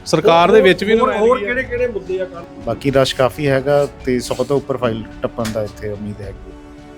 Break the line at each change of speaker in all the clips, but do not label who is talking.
ਸਰਕਾਰ ਦੇ ਵਿੱਚ ਵੀ
ਹੋਰ ਕਿਹੜੇ ਮੁੱਦੇ ਆ?
ਬਾਕੀ ਰਸ਼ ਕਾਫੀ ਹੈਗਾ ਤੇ 100 ਤੋਂ ਉੱਪਰ ਫਾਈਲ ਟੱਪਣ ਦਾ ਇੱਥੇ ਉਮੀਦ ਹੈਗੀ।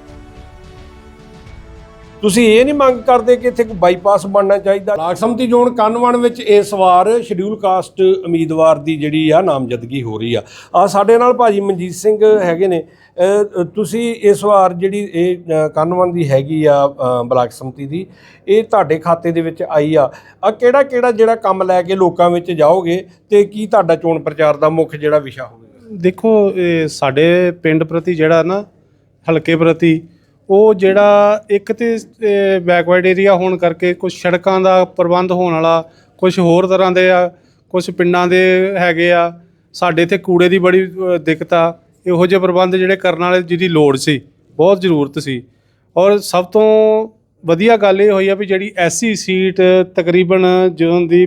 ਤੁਸੀਂ ਇਹ ਨਹੀਂ ਮੰਗ ਕਰਦੇ ਕਿ ਇੱਥੇ ਕੋਈ ਬਾਈਪਾਸ ਬਣਨਾ ਚਾਹੀਦਾ? ਬਲਾਕ ਸੰਮਤੀ ਜ਼ੋਨ ਕਾਹਨੂੰਵਾਨ ਵਿੱਚ ਇਸ ਵਾਰ ਸ਼ਡਿਊਲ ਕਾਸਟ ਉਮੀਦਵਾਰ ਦੀ ਜਿਹੜੀ ਆ ਨਾਮਜ਼ਦਗੀ ਹੋ ਰਹੀ ਆ। ਸਾਡੇ ਨਾਲ ਭਾਜੀ ਮਨਜੀਤ ਸਿੰਘ ਹੈਗੇ ਨੇ। ਤੁਸੀਂ ਇਸ ਵਾਰ ਜਿਹੜੀ ਇਹ ਕਾਹਨੂੰਵਾਨ ਦੀ ਹੈਗੀ ਆ ਬਲਾਕ ਸੰਮਤੀ ਦੀ, ਇਹ ਤੁਹਾਡੇ ਖਾਤੇ ਦੇ ਵਿੱਚ ਆਈ ਆ। ਕਿਹੜਾ ਜਿਹੜਾ ਕੰਮ ਲੈ ਕੇ ਲੋਕਾਂ ਵਿੱਚ ਜਾਓਗੇ ਤੇ ਕੀ ਤੁਹਾਡਾ ਚੋਣ ਪ੍ਰਚਾਰ ਦਾ ਮੁੱਖ ਜਿਹੜਾ ਵਿਸ਼ਾ ਹੋਵੇਗਾ?
ਦੇਖੋ, ਇਹ ਸਾਡੇ ਪਿੰਡ ਪ੍ਰਤੀ ਜਿਹੜਾ ਨਾ ਹਲਕੇ ਪ੍ਰਤੀ ਉਹ ਜਿਹੜਾ ਇੱਕ ਤੇ ਬੈਕਵਰਡ ਏਰੀਆ ਹੋਣ ਕਰਕੇ ਕੁਝ ਸੜਕਾਂ ਦਾ ਪ੍ਰਬੰਧ ਹੋਣ ਵਾਲਾ, ਕੁਝ ਹੋਰ ਤਰ੍ਹਾਂ ਦੇ ਆ, ਕੁਝ ਪਿੰਡਾਂ ਦੇ ਹੈਗੇ ਆ। ਸਾਡੇ ਇੱਥੇ ਕੂੜੇ ਦੀ ਬੜੀ ਦਿੱਕਤ ਆ। ਇਹੋ ਜਿਹੇ ਪ੍ਰਬੰਧ ਜਿਹੜੇ ਕਰਨ ਵਾਲੇ ਜਿਹਦੀ ਲੋੜ ਸੀ, ਬਹੁਤ ਜ਼ਰੂਰਤ ਸੀ। ਔਰ ਸਭ ਤੋਂ ਵਧੀਆ ਗੱਲ ਇਹ ਹੋਈ ਆ ਵੀ ਜਿਹੜੀ ਐਸਸੀ ਸੀਟ ਤਕਰੀਬਨ ਜਦੋਂ ਦੀ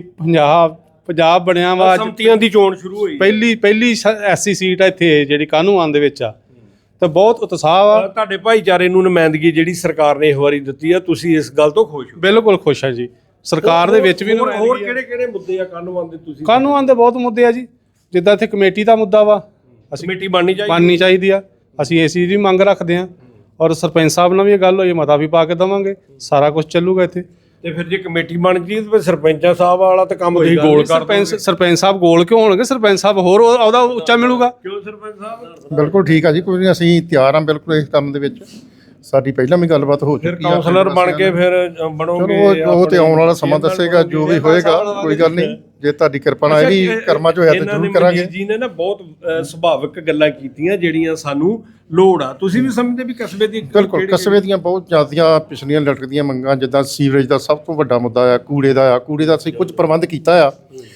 ਪੰਜਾਬ ਬਣਿਆ ਵਾ,
ਸੰਮਤੀਆਂ ਦੀ ਚੋਣ ਸ਼ੁਰੂ ਹੋਈ,
ਪਹਿਲੀ ਐਸਸੀ ਸੀਟ ਆ ਇੱਥੇ ਜਿਹੜੀ ਕਾਹਨੂੰਵਾਨ ਦੇ ਵਿੱਚ ਆ, ਤਾਂ ਬਹੁਤ ਉਤਸ਼ਾਹ ਆ।
ਤੁਹਾਡੇ ਭਾਈਚਾਰੇ ਨੂੰ ਨੁਮਾਇੰਦਗੀ ਜਿਹੜੀ ਸਰਕਾਰ ਨੇ ਇਸ ਵਾਰੀ ਦਿੱਤੀ ਆ, ਤੁਸੀਂ ਇਸ ਗੱਲ ਤੋਂ ਖੁਸ਼ ਹੋ?
ਬਿਲਕੁਲ ਖੁਸ਼ ਆ ਜੀ। ਸਰਕਾਰ ਦੇ ਵਿੱਚ ਵੀ
ਹੋਰ ਕਿਹੜੇ ਮੁੱਦੇ ਆ ਕਾਹਨੂੰਵਾਨ ਦੇ? ਤੁਸੀਂ
ਕਾਹਨੂੰਵਾਨ ਦੇ ਬਹੁਤ ਮੁੱਦੇ ਆ ਜੀ। ਜਿੱਦਾਂ ਇੱਥੇ ਕਮੇਟੀ ਦਾ ਮੁੱਦਾ ਵਾ,
ਕਮੇਟੀ ਬਣਨੀ
ਚਾਹੀਦੀ ਆ। ਅਸੀਂ ਇਸ ਚੀਜ਼ ਦੀ ਮੰਗ ਰੱਖਦੇ ਹਾਂ। ਔਰ ਸਰਪੰਚ ਸਾਹਿਬ ਨਾਲ ਵੀ ਇਹ ਗੱਲ ਹੋਈ, ਮਤਾ ਵੀ ਪਾ ਕੇ ਦੇਵਾਂਗੇ, ਸਾਰਾ ਕੁਝ ਚੱਲੂਗਾ ਇੱਥੇ।
ਤੇ ਫਿਰ ਜੇ ਕਮੇਟੀ ਬਣ ਗਈ ਤੇ ਸਰਪੰਚਾਂ ਸਾਹਿਬ ਵਾਲਾ ਤਾਂ ਕੰਮ ਤੁਸੀਂ ਗੋਲ ਕਰ ਦੋਗੇ।
ਸਰਪੰਚ ਸਾਹਿਬ ਗੋਲ ਕਿਉਂ ਹੋਣਗੇ? ਸਰਪੰਚ ਸਾਹਿਬ ਹੋਰ ਉਹਦਾ ਉੱਚਾ ਮਿਲੂਗਾ।
ਕਿਉਂ ਸਰਪੰਚ ਸਾਹਿਬ?
ਬਿਲਕੁਲ ਠੀਕ ਆ ਜੀ, ਕੋਈ ਨਹੀਂ, ਅਸੀਂ ਤਿਆਰ ਹਾਂ ਬਿਲਕੁਲ ਇਸ ਕੰਮ ਦੇ ਵਿੱਚ। ਸਾਡੀ ਪਹਿਲਾਂ ਵੀ ਗੱਲਬਾਤ ਹੋ ਚੁੱਕੀ ਆ।
ਕਾਉਂਸਲਰ ਬਣ ਕੇ ਫਿਰ ਬਣੋਗੇ?
ਉਹ ਤੇ ਆਉਣ ਵਾਲਾ ਸਮਾਂ ਦੱਸੇਗਾ, ਜੋ ਵੀ ਹੋਏਗਾ। ਕੋਈ ਗੱਲ ਨਹੀਂ, ਜੇ ਤੁਹਾਡੀ ਕਿਰਪਾ ਨਾਲ ਇਹ ਵੀ ਕਰਮਾਂ 'ਚ ਹੋਇਆ ਤਾਂ ਜ਼ਰੂਰ ਕਰਾਂਗੇ।
ਜੀ ਨੇ ਨਾ ਬਹੁਤ ਸੁਭਾਵਿਕ ਗੱਲਾਂ ਕੀਤੀਆਂ ਜਿਹੜੀਆਂ ਸਾਨੂੰ ਲੋੜ ਆ। ਤੁਸੀਂ ਵੀ ਸਮਝਦੇ ਵੀ ਕਸਬੇ ਦੀ?
ਬਿਲਕੁਲ, ਕਸਬੇ ਦੀਆਂ ਬਹੁਤ ਜ਼ਿਆਦੀਆਂ ਪਿਛਲੀਆਂ ਲਟਕਦੀਆਂ ਮੰਗਾਂ, ਜਿੱਦਾਂ ਸੀਵਰੇਜ ਦਾ ਸਭ ਤੋਂ ਵੱਡਾ ਮੁੱਦਾ ਆ, ਕੂੜੇ ਦਾ ਅਸੀਂ ਕੁਝ ਪ੍ਰਬੰਧ ਕੀਤਾ ਆ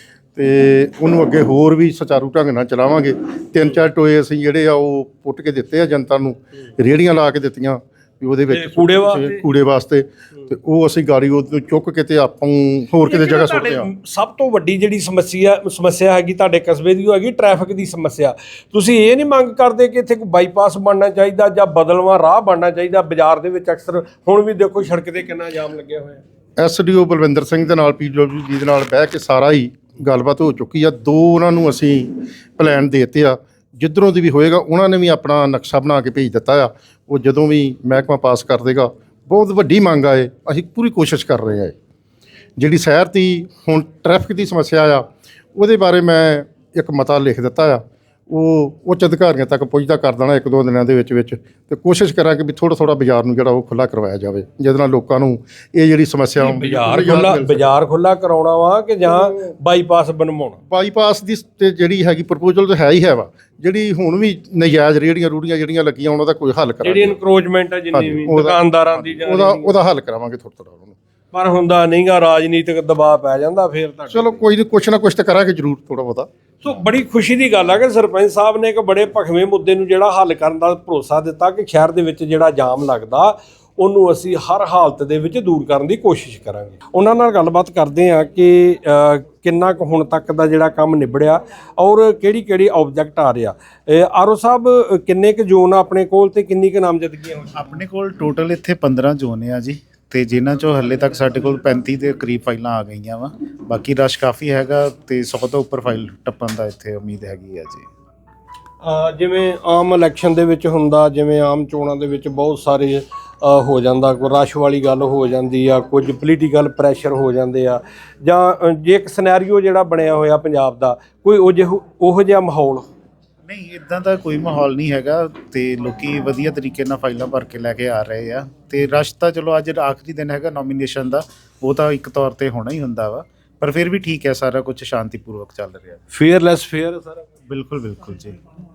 ਤੇ ਉਹਨੂੰ ਅੱਗੇ ਹੋਰ ਵੀ ਸੁਚਾਰੂ ਢੰਗ ਨਾਲ ਚਲਾਵਾਂਗੇ। 3-4 ਟੋਏ ਅਸੀਂ ਜਿਹੜੇ ਆ ਉਹ ਪੁੱਟ ਕੇ ਦਿੱਤੇ ਆ ਜਨਤਾ ਨੂੰ, ਰੇਹੜੀਆਂ ਲਾ ਕੇ ਦਿੱਤੀਆਂ ਵੀ ਉਹਦੇ ਵਿੱਚ ਕੂੜੇ ਵਾਸਤੇ, ਤੇ ਉਹ ਅਸੀਂ ਗਾੜੀ ਉਹ ਚੁੱਕ ਕੇ ਤੇ ਆਪਾਂ ਹੋਰ ਕਿਤੇ ਜਗ੍ਹਾ ਸੁੱਟਦੇ ਆ।
ਸਭ ਤੋਂ ਵੱਡੀ ਜਿਹੜੀ ਸਮੱਸਿਆ ਹੈਗੀ ਤੁਹਾਡੇ ਕਸਬੇ ਦੀ, ਉਹ ਹੈਗੀ ਟ੍ਰੈਫਿਕ ਦੀ ਸਮੱਸਿਆ। ਤੁਸੀਂ ਇਹ ਨਹੀਂ ਮੰਗ ਕਰਦੇ ਕਿ ਇੱਥੇ ਕੋਈ ਬਾਈਪਾਸ ਬਣਨਾ ਚਾਹੀਦਾ ਜਾਂ ਬਦਲਵਾਂ ਰਾਹ ਬਣਨਾ ਚਾਹੀਦਾ? ਬਾਜ਼ਾਰ ਦੇ ਵਿੱਚ ਅਕਸਰ ਹੁਣ ਵੀ ਦੇਖੋ ਸੜਕ ਤੇ ਕਿੰਨਾ ਜਾਮ ਲੱਗਿਆ ਹੋਇਆ।
SDO ਬਲਵਿੰਦਰ ਸਿੰਘ ਦੇ ਨਾਲ PWD ਦੇ ਨਾਲ ਬਹਿ ਕੇ ਸਾਰਾ ਹੀ ਗੱਲਬਾਤ ਹੋ ਚੁੱਕੀ ਆ। 2 ਉਹਨਾਂ ਨੂੰ ਅਸੀਂ ਪਲਾਨ ਦੇ ਦਿੱਤੇ ਆ, ਜਿੱਧਰੋਂ ਦੀ ਵੀ ਹੋਏਗਾ ਉਹਨਾਂ ਨੇ ਵੀ ਆਪਣਾ ਨਕਸ਼ਾ ਬਣਾ ਕੇ ਭੇਜ ਦਿੱਤਾ ਆ। ਉਹ ਜਦੋਂ ਵੀ ਮਹਿਕਮਾ ਪਾਸ ਕਰ ਦੇਗਾ, ਬਹੁਤ ਵੱਡੀ ਮੰਗ ਆ ਇਹ, ਅਸੀਂ ਪੂਰੀ ਕੋਸ਼ਿਸ਼ ਕਰ ਰਹੇ ਆ। ਜਿਹੜੀ ਸ਼ਹਿਰ ਦੀ ਹੁਣ ਟ੍ਰੈਫਿਕ ਦੀ ਸਮੱਸਿਆ ਆ, ਉਹਦੇ ਬਾਰੇ ਮੈਂ ਇੱਕ ਮਤਾ ਲਿਖ ਦਿੱਤਾ ਆ। ਉਹ ਉੱਚ ਅਧਿਕਾਰੀਆਂ ਤੱਕ ਪਹੁੰਚਦਾ ਕਰ ਦੇਣਾ 1-2 ਦਿਨਾਂ ਦੇ ਵਿੱਚ ਤੇ ਕੋਸ਼ਿਸ਼ ਕਰਾਂਗੇ ਵੀ ਥੋੜਾ ਬਾਜ਼ਾਰ ਨੂੰ ਜਿਹੜਾ ਉਹ ਖੁੱਲ੍ਹਾ ਕਰਵਾਇਆ ਜਾਵੇ, ਜਿਹਦੇ ਨਾਲ ਲੋਕਾਂ ਨੂੰ ਇਹ ਜਿਹੜੀ ਸਮੱਸਿਆ
ਬਾਜ਼ਾਰ ਖੁੱਲ੍ਹਾ ਕਰਾਉਣਾ ਵਾ ਕਿ ਜਾਂ ਬਾਈਪਾਸ ਬਣਵਾਉਣਾ?
ਬਾਈਪਾਸ ਦੀ ਤੇ ਜਿਹੜੀ ਹੈਗੀ ਪ੍ਰਪੋਜ਼ਲ ਤਾਂ ਹੈ ਹੀ ਹੈ ਵਾ। ਜਿਹੜੀ ਹੁਣ ਵੀ ਨਜਾਇਜ਼ ਰੂੜੀਆਂ ਜਿਹੜੀਆਂ ਲੱਗੀਆਂ, ਉਹਨਾਂ ਦਾ ਕੋਈ ਹੱਲ ਕਰਾਂਗੇ।
ਜਿਹੜੀ ਇਨਕਰੋਚਮੈਂਟ ਹੈ ਜਿੰਨੀ ਵੀ ਦੁਕਾਨਦਾਰਾਂ ਦੀ,
ਉਹਦਾ ਹੱਲ ਕਰਾਵਾਂਗੇ ਥੋੜਾ ਉਹਨੂੰ।
ਪਰ ਹੁੰਦਾ ਨਹੀਂਗਾ, ਰਾਜਨੀਤਿਕ ਦਬਾਅ ਪੈ ਜਾਂਦਾ ਫਿਰ ਤਾਂ।
ਚਲੋ ਕੋਈ ਨਹੀਂ, ਕੁਛ ਨਾ ਕੁਛ ਤਾਂ ਕਰਾਂਗੇ ਜ਼ਰੂਰ ਥੋੜਾ ਬਹੁਤਾ।
ਸੋ ਬੜੀ ਖੁਸ਼ੀ ਦੀ ਗੱਲ ਆ ਕਿ ਸਰਪੰਚ ਸਾਹਿਬ ਨੇ ਇੱਕ ਬੜੇ ਭਖਵੇਂ ਮੁੱਦੇ ਨੂੰ ਜਿਹੜਾ ਹੱਲ ਕਰਨ ਦਾ ਭਰੋਸਾ ਦਿੱਤਾ ਕਿ ਸ਼ਹਿਰ ਦੇ ਵਿੱਚ ਜਿਹੜਾ ਜਾਮ ਲੱਗਦਾ ਉਹਨੂੰ ਅਸੀਂ ਹਰ ਹਾਲਤ ਦੇ ਵਿੱਚ ਦੂਰ ਕਰਨ ਦੀ ਕੋਸ਼ਿਸ਼ ਕਰਾਂਗੇ। ਉਹਨਾਂ ਨਾਲ ਗੱਲਬਾਤ ਕਰਦੇ ਆ ਕਿ ਕਿੰਨਾ ਕੁ ਹੁਣ ਤੱਕ ਦਾ ਜਿਹੜਾ ਕੰਮ ਨਿਬੜਿਆ ਔਰ ਕਿਹੜੀ ਆਬਜੈਕਟ ਆ ਰਿਹਾ। ਆਰਓ ਸਾਹਿਬ, ਕਿੰਨੇ ਕੁ ਜ਼ੋਨ ਆ ਆਪਣੇ ਕੋਲ ਤੇ ਕਿੰਨੀ ਕੁ ਨਾਮਜ਼ਦਗੀਆਂ ਹੋਈਆਂ?
ਆਪਣੇ ਕੋਲ ਟੋਟਲ ਇੱਥੇ 15 ਜ਼ੋਨ ਆ ਜੀ, ਤੇ ਜਿਨ੍ਹਾਂ ਚੋਂ ਹੱਲੇ ਤੱਕ ਸਾਡੇ ਕੋਲ 35 ਦੇ ਕਰੀਬ ਫਾਈਲਾਂ ਆ ਗਈਆਂ ਵਾ। ਬਾਕੀ ਰਸ਼ ਕਾਫੀ ਹੈਗਾ ਤੇ 100 ਤੋਂ ਉੱਪਰ ਫਾਈਲ ਟੱਪਣ ਦਾ ਇੱਥੇ ਉਮੀਦ ਹੈਗੀ ਆ ਜੀ।
ਜਿਵੇਂ ਆਮ ਇਲੈਕਸ਼ਨ ਦੇ ਵਿੱਚ ਹੁੰਦਾ, ਜਿਵੇਂ ਆਮ ਚੋਣਾਂ ਦੇ ਵਿੱਚ ਬਹੁਤ ਸਾਰੇ ਹੋ ਜਾਂਦਾ, ਕੋਈ ਰਸ਼ ਵਾਲੀ ਗੱਲ ਹੋ ਜਾਂਦੀ ਆ, ਕੁਝ ਪੋਲੀਟੀਕਲ ਪ੍ਰੈਸ਼ਰ ਹੋ ਜਾਂਦੇ ਆ, ਜਾਂ ਜੇ ਇੱਕ ਸਿਨੈਰੀਓ ਜਿਹੜਾ ਬਣਿਆ ਹੋਇਆ ਪੰਜਾਬ ਦਾ, ਕੋਈ ਉਹੋ ਜਿਹਾ ਮਾਹੌਲ?
ਨਹੀਂ, ਇਦਾਂ ਦਾ ਕੋਈ ਮਾਹੌਲ ਨਹੀਂ ਹੈਗਾ ਤੇ ਲੋਕੀ ਵਧੀਆ ਤਰੀਕੇ ਨਾਲ ਫਾਈਲਾਂ ਭਰ ਕੇ ਲੈ ਕੇ ਆ ਰਹੇ ਆ। ਤੇ ਰਸ਼ ਤਾਂ ਚਲੋ ਅੱਜ ਆਖਰੀ ਦਿਨ ਹੈਗਾ ਨੋਮੀਨੇਸ਼ਨ ਦਾ, ਉਹ ਤਾਂ ਇੱਕ ਤੌਰ ਤੇ ਹੋਣਾ ਹੀ ਹੁੰਦਾ ਵਾ, ਪਰ ਫਿਰ ਵੀ ਠੀਕ ਹੈ, ਸਾਰਾ ਕੁਝ ਸ਼ਾਂਤੀਪੂਰਵਕ ਚੱਲ ਰਿਹਾ।
ਫੇਅਰ ਸਾਰਾ?
ਬਿਲਕੁਲ ਜੀ।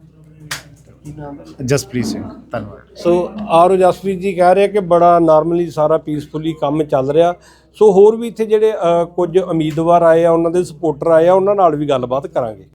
ਜਸਪ੍ਰੀਤ ਸਿੰਘ, ਧੰਨਵਾਦ।
ਸੋ ਆਰਓ ਜਸਪ੍ਰੀਤ ਜੀ ਕਹਿ ਰਹੇ ਕਿ ਬੜਾ ਨਾਰਮਲੀ ਸਾਰਾ ਪੀਸਫੁਲੀ ਕੰਮ ਚੱਲ ਰਿਹਾ। ਸੋ ਹੋਰ ਵੀ ਇੱਥੇ ਜਿਹੜੇ ਕੁਝ ਉਮੀਦਵਾਰ ਆਏ ਆ, ਉਹਨਾਂ ਦੇ ਸਪੋਰਟਰ ਆਏ ਆ, ਉਹਨਾਂ ਨਾਲ ਵੀ ਗੱਲਬਾਤ ਕਰਾਂਗੇ।